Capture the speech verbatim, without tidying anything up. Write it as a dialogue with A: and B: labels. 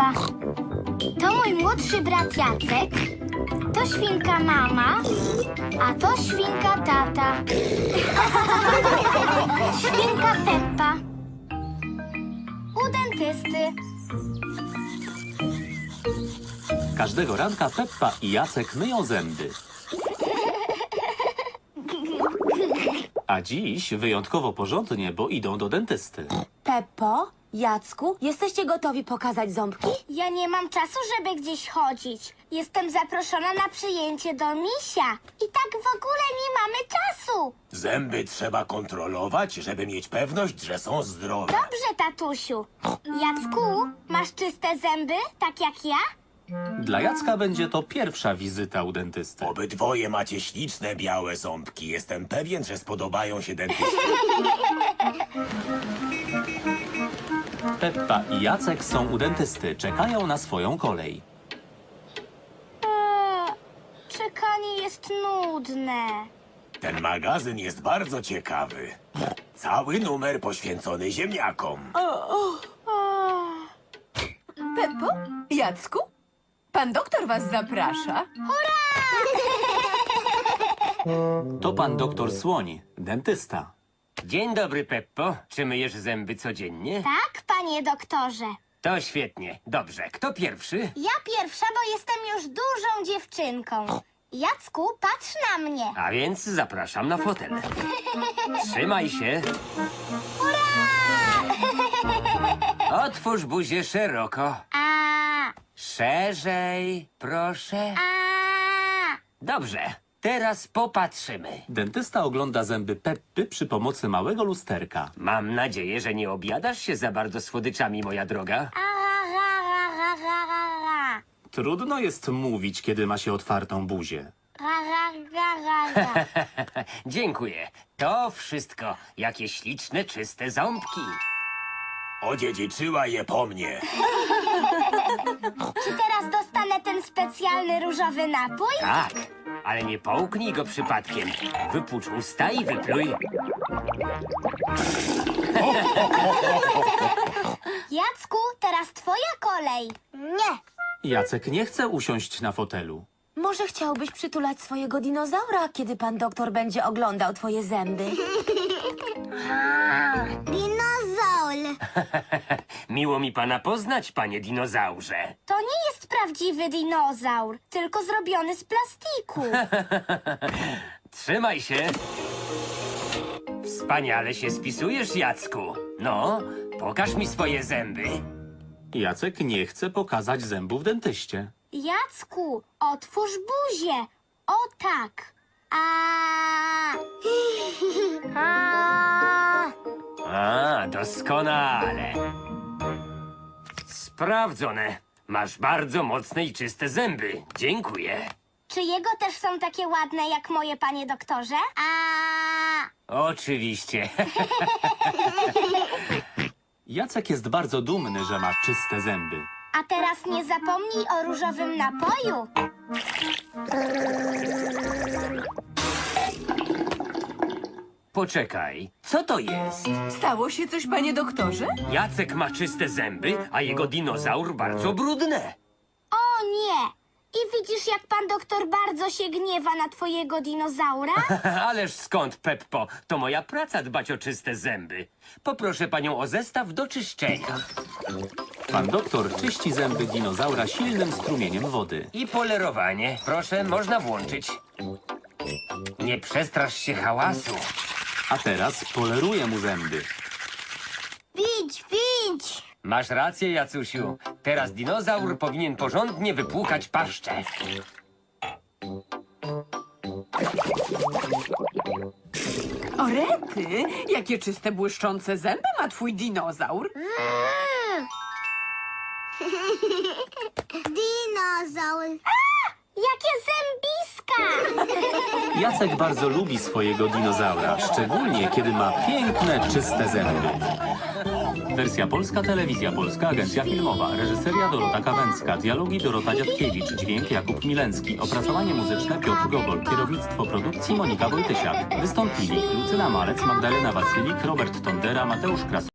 A: Peppa. To mój młodszy brat Jacek. To świnka mama, a to świnka tata. Świnka Peppa. U dentysty.
B: Każdego ranka Peppa i Jacek myją zęby. A dziś wyjątkowo porządnie, bo idą do dentysty.
C: Peppo, Jacku, jesteście gotowi pokazać ząbki?
A: Ja nie mam czasu, żeby gdzieś chodzić. Jestem zaproszona na przyjęcie do misia. I tak w ogóle nie mamy czasu.
D: Zęby trzeba kontrolować, żeby mieć pewność, że są zdrowe.
A: Dobrze, tatusiu. Jacku, masz czyste zęby, tak jak ja?
B: Dla Jacka będzie to pierwsza wizyta u dentysty.
D: Obydwoje macie śliczne białe ząbki. Jestem pewien, że spodobają się dentyście.
B: Peppa i Jacek są u dentysty, czekają na swoją kolej.
A: Eee, czekanie jest nudne.
D: Ten magazyn jest bardzo ciekawy. Cały numer poświęcony ziemniakom.
E: Peppo? Jacku? Pan doktor was zaprasza.
B: To pan doktor Słoń, dentysta.
F: Dzień dobry, Peppo. Czy myjesz zęby codziennie?
A: Tak, panie doktorze.
F: To świetnie. Dobrze. Kto pierwszy?
A: Ja pierwsza, bo jestem już dużą dziewczynką. Jacku, patrz na mnie.
F: A więc zapraszam na fotel. Trzymaj się. Otwórz buzię szeroko.
A: A,
F: Szerzej, proszę.
A: a.
F: Dobrze. Teraz popatrzymy.
B: Dentysta ogląda zęby Peppy przy pomocy małego lusterka.
F: Mam nadzieję, że nie objadasz się za bardzo słodyczami, moja droga.
A: A, ra, ra, ra, ra, ra, ra.
B: Trudno jest mówić, kiedy ma się otwartą buzię.
A: Ra, ra, ra, ra, ra.
F: Dziękuję. To wszystko. Jakie śliczne, czyste ząbki.
D: Odziedziczyła je po mnie.
A: Czy teraz dostanę ten specjalny różowy napój?
F: Tak, ale nie połknij go przypadkiem. Wypucz usta i wypluj.
A: Jacku, teraz twoja kolej. Nie.
B: Jacek nie chce usiąść na fotelu.
C: Może chciałbyś przytulać swojego dinozaura, kiedy pan doktor będzie oglądał twoje zęby?
A: Dinozaur.
F: Miło mi pana poznać, panie dinozaurze.
A: To nie jest prawdziwy dinozaur, tylko zrobiony z plastiku.
F: Trzymaj się. Wspaniale się spisujesz, Jacku. No, pokaż mi swoje zęby.
B: Jacek nie chce pokazać zębów dentyście.
A: Jacku, otwórz buzię. O tak. A. A.
F: A, doskonale. Sprawdzone. Masz bardzo mocne i czyste zęby. Dziękuję.
A: Czy jego też są takie ładne jak moje, panie doktorze? A.
F: Oczywiście.
B: Jacek jest bardzo dumny, że ma czyste zęby.
A: A teraz nie zapomnij o różowym napoju.
F: Poczekaj, co to jest?
E: Stało się coś, panie doktorze?
F: Jacek ma czyste zęby, a jego dinozaur bardzo brudne.
A: O nie! I widzisz, jak pan doktor bardzo się gniewa na twojego dinozaura?
F: Ależ skąd, Peppo? To moja praca dbać o czyste zęby. Poproszę panią o zestaw do czyszczenia.
B: Pan doktor czyści zęby dinozaura silnym strumieniem wody.
F: I polerowanie. Proszę, można włączyć. Nie przestrasz się hałasu.
B: A teraz poleruje mu zęby.
A: Widź, widź!
F: Masz rację, Jacusiu. Teraz dinozaur powinien porządnie wypłukać paszczę.
E: O rety, jakie czyste, błyszczące zęby ma twój dinozaur.
A: Dinozaur. Jakie zębiska!
B: Jacek bardzo lubi swojego dinozaura, szczególnie kiedy ma piękne, czyste zęby. Wersja polska, telewizja polska, agencja filmowa, reżyseria Dorota Kawęcka, dialogi Dorota Dziadkiewicz, dźwięk Jakub Milencki, opracowanie muzyczne Piotr Gogol, kierownictwo produkcji Monika Wojtysiak. Wystąpili Lucyna Malec, Magdalena Wasylik, Robert Tondera, Mateusz Kras.